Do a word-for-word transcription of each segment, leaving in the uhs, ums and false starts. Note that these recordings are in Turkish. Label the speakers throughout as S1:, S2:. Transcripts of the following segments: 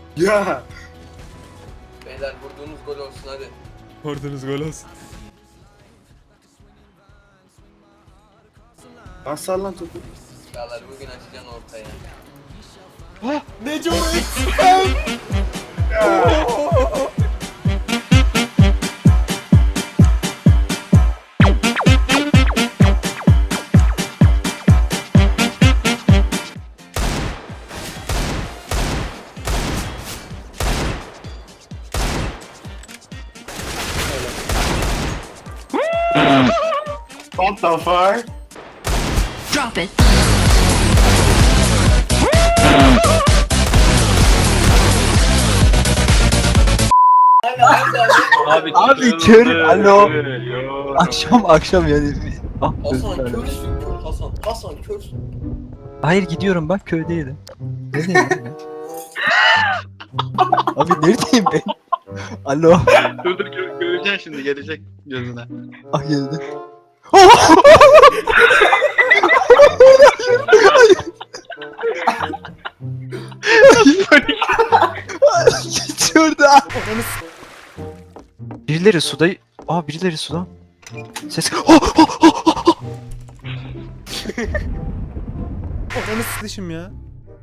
S1: Ya.
S2: Beyler vurduğunuz gol olsun hadi.
S3: Vurdunuz gol olsun.
S1: Asal lan topu.
S2: Çağlar bugün açacaksın ortaya.
S3: Neco
S1: What the fuck?
S4: Drop it.
S5: Abi,
S6: Abi kör. Alo. Akşam akşam yani. Ah,
S2: Hasan
S6: özür dilerim.
S2: körsün kör Hasan. Hasan körsün.
S6: Hayır gidiyorum bak köydeydim. Neredeyim ben? Abi neredeyim ben? Alo.
S5: dur dur gö göreceksin şimdi gelecek gözüne.
S6: Ah geldi. Git şurada. Birileri suda... Aa birileri suda. Ses... Oh, oh, oh, oh.
S3: Ananı sıkışım ya.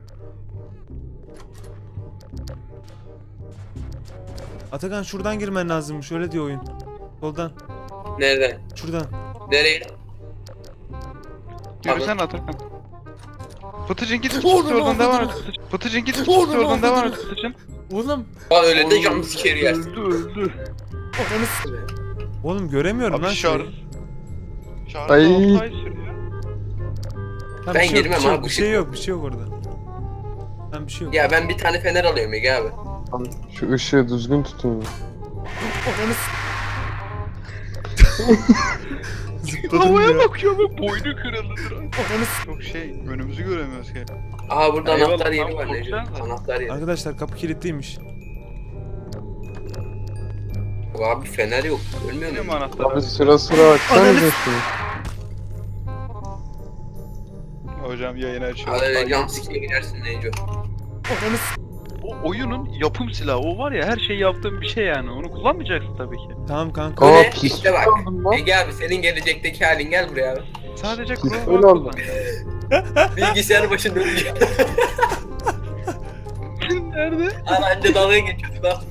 S3: Atakan şuradan girmen lazım. Şöyle diyor oyun. Soldan.
S2: Nereden?
S3: Şuradan.
S2: Nereye?
S5: Yürüsene Atakan. Fıtıcın git oradan devam et. Fıtıcın git oradan devam et Fıtıcın.
S3: Oğlum.
S2: Lan öyle de jumpscare yersin.
S5: Öldü öldü.
S3: Ananı s- Oğlum göremiyorum lan
S5: Abi şar.
S3: şeyi.
S5: Şarjı
S6: Ay.
S5: altı ay sürüyor.
S3: Tamam,
S2: Ben
S3: bir şey yok,
S2: girmem
S3: bir şey
S2: abi,
S3: yok,
S2: bu
S3: bir
S2: şey-
S3: şey yok, bir şey yok orada. Tamam bir şey yok.
S2: Ya ben bir tane fener alıyorum Ege abi.
S7: Şu ışığı düzgün tutun.
S3: Ananı s- Zıpladım
S5: Havaya
S3: ya.
S5: bakıyor ve boynu kırıldı.
S3: Ananı s-
S5: Çok şey önümüzü göremiyoruz ki.
S2: Aha burada
S5: Eyvallah,
S2: anahtar yeri
S5: tamam,
S2: var Necip.
S5: korksanıza.
S2: Anahtar yeri.
S3: Arkadaşlar kapı kilitliymiş.
S2: Abi fener yok. Ölmüyor
S5: Benim
S2: mu?
S7: Abi
S5: anahtarım.
S7: sıra sıra açsana
S3: Ananı-
S7: da şunu.
S5: Hocam yayını açıyor.
S2: Hadi öyle
S5: Ay,
S2: jumpscare girersin Necip.
S3: Ananı s-
S5: O oyunun yapım silahı o var ya her şeyi yaptığım bir şey yani onu kullanmayacaksın tabii ki.
S3: Tamam kanka.
S7: Aa
S2: Ne?
S7: pis
S2: İşte bak.
S7: oldum lan.
S2: Ege abi senin gelecekteki halin gel buraya abi.
S5: Sadece
S7: Öyle
S5: Chrome
S7: oldu.
S5: kullan.
S2: Bilgisayar başında ölecek.
S5: Nerede?
S2: Al anca dalga geçiyordun al.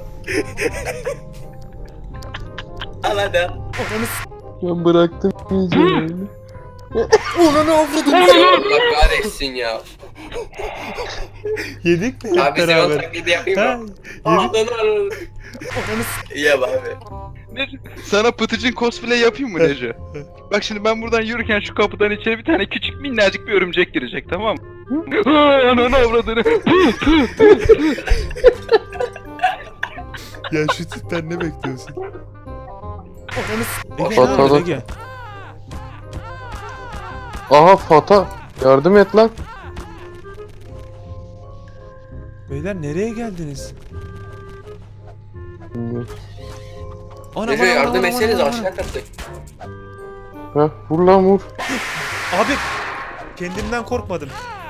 S2: Al hadi al.
S3: Ananı s-
S7: Ben bıraktım iyice.
S3: Ulan ne avradın?
S2: Allah kahretsin ya.
S3: Yedik mi hep
S2: Abi sen o
S3: beraber?
S2: taklidi yapayım
S3: Ha?
S2: mı?
S3: Yedik.
S2: Ağzını aradım.
S3: Ananı s-
S2: İyi abi.
S5: Ne? Sana Pıtıcın cosplay yapayım mı Nece? Bak şimdi ben buradan yürürken şu kapıdan içeri bir tane küçük minnacık bir örümcek girecek tamam mı? Ay, Ananı avradını.
S3: Ya şu tipten ne bekliyorsun? Ananı s- Ege ne
S7: Patladı.
S3: yapıyorsun Ege?
S7: Aha Fata. Yardım et lan.
S3: Beyler nereye geldiniz? Ana,
S2: Necip
S3: ana, ana,
S2: yardım
S3: ana,
S2: etseniz
S3: ana, ana.
S2: aşağı kattık.
S7: Heh vur lan vur.
S3: Abi kendimden korkmadım.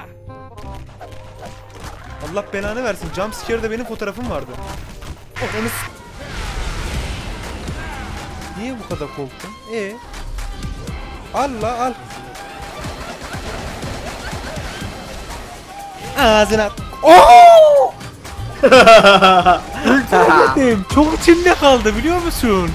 S3: Allah belanı versin. Jumpscare'da benim fotoğrafım vardı. Ananı s- Niye bu kadar korktun? E Al la al. Ağzına. Oo! Öldüremedim. Çok içimde kaldı biliyor musun?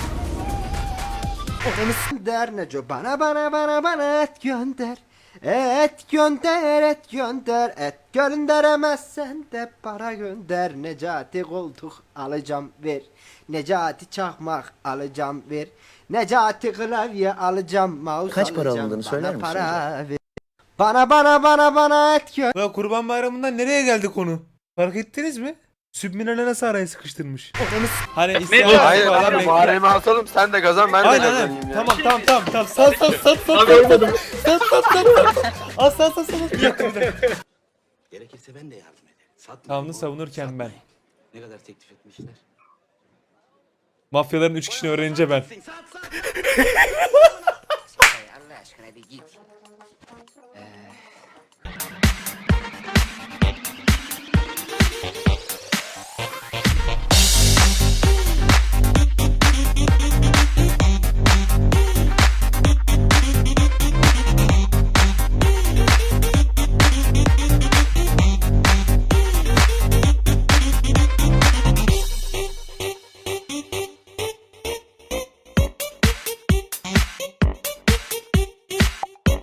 S8: Der Neco bana bana bana bana et gönder. Et gönder et gönder et gönderemezsen de para gönder. Necati koltuk alacağım ver. Necati çakmak alacağım ver. Necati klavye alacağım mouse
S9: Kaç para
S8: alacağım.
S9: alındığını
S8: Bana
S9: söyler misin
S8: para ver. Bana bana bana bana et gönder.
S3: Ya Kurban Bayramı'ndan nereye geldi konu? Fark ettiniz mi? Sübminal'e nasıl araya sıkıştırmış? Hani isyan
S5: Hayır,
S3: falan bekle.
S1: atalım sen de kazan ben
S3: Aynen aynen. Tamam tamam tamam tamam. Sat sat sat sat sat sat sat sat sat sat. Al sat sat sat. Bir dakika bir dakika.
S9: Gerekirse ben de yardım ederim. Satmayın.
S3: Kanunu savunurken ben.
S9: Ne kadar teklif etmişler?
S3: Mafyaların üç kişini öğrenince ben.
S8: Allah aşkına bir git. Ee,